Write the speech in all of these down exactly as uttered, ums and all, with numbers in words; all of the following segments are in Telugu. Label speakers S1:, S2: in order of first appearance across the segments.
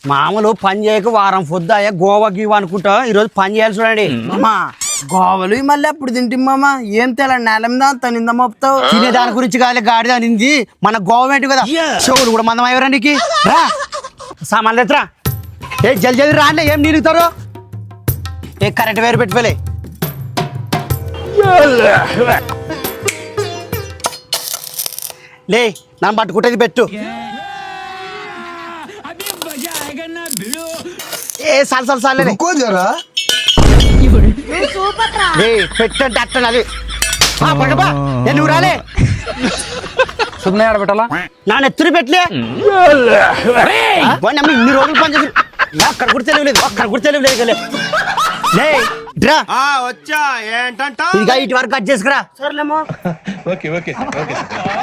S1: మామూలు పని చేయక వారం పొద్దాయ గోవా గీవా అనుకుంటా ఈరోజు పని చేయాలి చూడండి.
S2: మామా గోవలు మళ్ళీ అప్పుడు తింటి మామ ఏం తెల నేల మీద అంత నింద మోపుతావు.
S1: తినే దాని గురించి కాదు గాడిద నింది మన గవర్నమెంట్ కదా. చెవులు కూడా మందం అయ్యారా నీకు? రా సామాన్లు ఎత్తురా. ఏ జల్ జల్ది రాండి, ఏం నిలుగుతారు? ఏ కరెంట్ వేరు పెట్టుకోలే. లే నన్ను పట్టుకుంటేది పెట్టు. ఏ సాల్ సాల్ సాల్ పెట్టంటే అట్టను అది పడబా. నువ్వు రాలే
S3: సుమ్నే ఆడబెట్టాలా?
S1: నా నెత్తురు పెట్టలే. ఇన్ని రోజులు పని చేసి అక్కడ కూడా తెలియలేదు, అక్కడ కూడా తెలియలేదు కదా. లే డ్రా
S4: వచ్చా ఏంటంట
S1: ఇదిగా ఇటు వరకు కట్ చేసుకురా.
S2: సర్లేమో
S4: ఓకే ఓకే ఓకే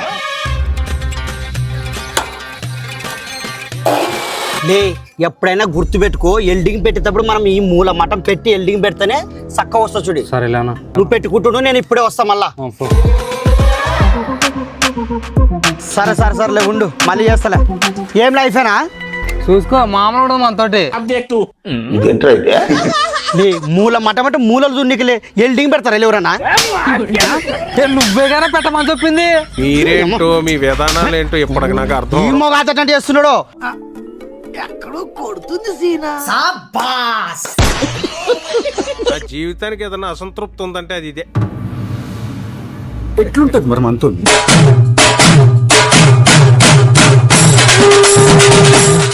S1: లే ఎప్పుడైనా గుర్తు పెట్టుకో, ఎల్డింగ్ పెట్టేటప్పుడు మనం ఈ మూల మటం పెట్టి ఎల్డింగ్ పెడితేనే చక్క వస్తా చూడు.
S3: సరేలేనా?
S1: నువ్వు పెట్టుకుంటున్నావు, నేను ఇప్పుడే వస్తా మళ్ళా. సరే సరే సరేలే ఉండు, మళ్ళీ చేస్తలే. ఏం లైఫేనా?
S3: చూసుకో మామూలు మనతోటి
S1: లే మూల మటం అంటే మూలలు దున్నికిలే ఎల్డింగ్ పెడతారా ఎవరన్నా?
S3: నువ్వే కానీ పెట్టమని చెప్పింది.
S4: మీరేంటో మీ విధానాలు ఏంటో ఇప్పటికి నాకు అర్థం.
S1: ఈ మొగాతంటే చేస్తున్నాడు.
S2: ఎక్కడో కొడుతుంది సీనా.
S4: నా జీవితానికి ఏదైనా అసంతృప్తి ఉందంటే అది ఇదే.
S5: ఎట్లుంటది మరి మనతో?